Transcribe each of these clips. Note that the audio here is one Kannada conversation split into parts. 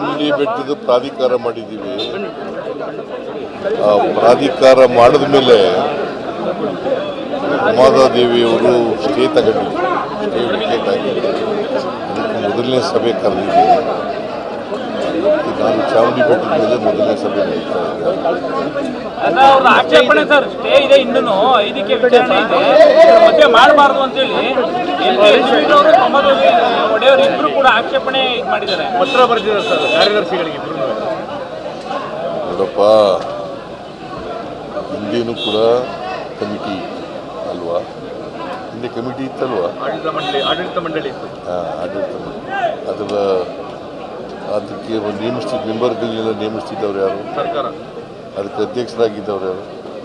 ಚಾಮುಂಡಿ ಬೆಟ್ಟದ ಪ್ರಾಧಿಕಾರ ಮಾಡಿದ್ದೀವಿ. ಆ ಪ್ರಾಧಿಕಾರ ಮಾಡಿದ ಮೇಲೆ ಉಮಾದೇವಿಯವರು ಸ್ಟೇ ತಗೊಂಡಿದ್ರು, ಸ್ಟೇ ವಿಕೆಟ್ ಆಗಿದೆ. ಅದಕ್ಕೆ ಮೊದಲನೇ ಸಭೆ ಕರೆದಿದ್ದೀವಿ. ನಾನು ಚಾಮುಂಡಿ ಬೆಟ್ಟದ ಮೇಲೆ ಮೊದಲನೇ ಸಭೆ ನಡೀತಾ ಇದೆ. ಆಕ್ಷೇಪಣೆ ಸರ್, ಸ್ಟೇ ಇದೆ, ಇನ್ನೂ 5ಕ್ಕೆ ವಿಚಾರಣೆ ಇದೆ, ಮಧ್ಯೆ ಮಾಡಬಾರ್ದು ಅಂತೇಳಿ ಒಡೆಯವರು ಇಬ್ರು ಕೂಡ ಆಕ್ಷೇಪಣೆ ಇದು ಮಾಡಿದ್ದಾರೆ, ಪತ್ರ ಬರೆದಿದ್ದಾರೆ ಸರ್ ಕಾರ್ಯದರ್ಶಿಗಳಿಗೆ ಇಬ್ರು. ನೋಡಪ್ಪ, ಹಿಂದೇನು ಕೂಡ ಕಮಿಟಿ ಅಲ್ವಾ, ಹಿಂದೆ ಕಮಿಟಿ ಇತ್ತಲ್ವಾ, ಆಡಳಿತ ಮಂಡಳಿ ಇತ್ತು. ಆಡಳಿತ ಮಂಡಳಿ. ಅದಕ್ಕೆ ನೇಮಿಸ್ತಿದ್ದ ಮೆಂಬರ್ಗಳನ್ನೆಲ್ಲ ನೇಮಿಸ್ತಿದ್ದವ್ರು ಯಾರು? ಸರ್ಕಾರ. ಅದಕ್ಕೆ ಅಧ್ಯಕ್ಷರಾಗಿದ್ದವ್ರು ಯಾರು?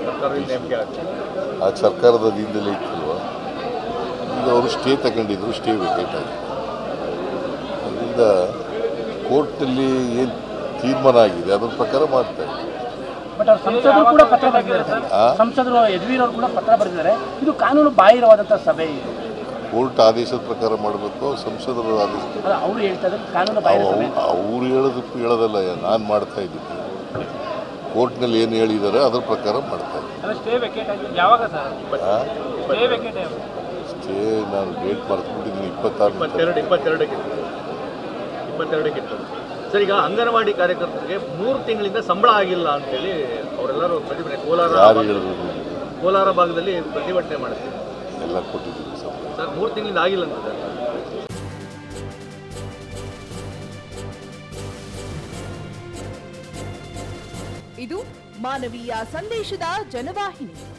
ಆ ಸರ್ಕಾರದ ಅಧೀನದಲ್ಲೇ ಇತ್ತಲ್ವಾ. ಈಗ ಅವರು ಸ್ಟೇ ತಗೊಂಡಿದ್ರು, ಸ್ಟೇ ವಿಕೆಟ್ ಆಗಿದೆ. ಅದರಿಂದ ಕೋರ್ಟಲ್ಲಿ ಏನು ತೀರ್ಮಾನ ಆಗಿದೆ ಅದರ ಪ್ರಕಾರ ಮಾಡ್ತಾ ಇದ್ದಾರೆ. ಬಟ್ ಅವ್ರು ಸಂಸದರು ಕೂಡ ಪತ್ರ ಬರೆದಿದ್ದಾರೆ, ಸಂಸದರು ಯದುವೀರ್ ಅವರು ಕೂಡ ಪತ್ರ ಬರೆದಿದ್ದಾರೆ. ಇದು ಕಾನೂನು ಬಾಹಿರವಾದಂಥ ಸಭೆ. ಇದು ಕೋರ್ಟ್ ಆದೇಶದ ಪ್ರಕಾರ ಮಾಡಬೇಕು, ಸಂಸದರ ಆದೇಶ. ಅವರು ಹೇಳ್ತಾ ಇದ್ದಾರೆ ಕಾನೂನು ಬಾಹಿರ ಸಭೆ. ಅವ್ರು ಹೇಳೋದಲ್ಲ, ನಾನು ಮಾಡ್ತಾ ಇದ್ದೀನಿ. ಕೋರ್ಟ್ನಲ್ಲಿ ಏನು ಹೇಳಿದ್ದಾರೆ ಅದರ ಪ್ರಕಾರ ಮಾಡ್ತಾ ಇದ್ದೀನಿ. ಸ್ಟೇ ನಾನು ಡೇಟ್ ಮರೆತುಬಿಟ್ಟಿದ್ದೀನಿ. 22ಕ್ಕೆ ಸರ್. ಈಗ ಅಂಗನವಾಡಿ ಕಾರ್ಯಕರ್ತರಿಗೆ 3 ತಿಂಗಳಿಂದ ಸಂಬಳ ಆಗಿಲ್ಲ ಅಂತೇಳಿ ಅವರೆಲ್ಲರೂ ಪ್ರತಿಭಟನೆ, ಕೋಲಾರ ಭಾಗದಲ್ಲಿ ಪ್ರತಿಭಟನೆ ಮಾಡ್ತೀವಿ. ಎಲ್ಲ ಕೊಟ್ಟಿದ್ದೀವಿ ಸರ್, 3 ತಿಂಗಳಿಂದ ಆಗಿಲ್ಲ ಅಂತ ಸರ್. ಇದು ಮಾನವೀಯ ಸಂದೇಶದ ಜನವಾಹಿನಿ.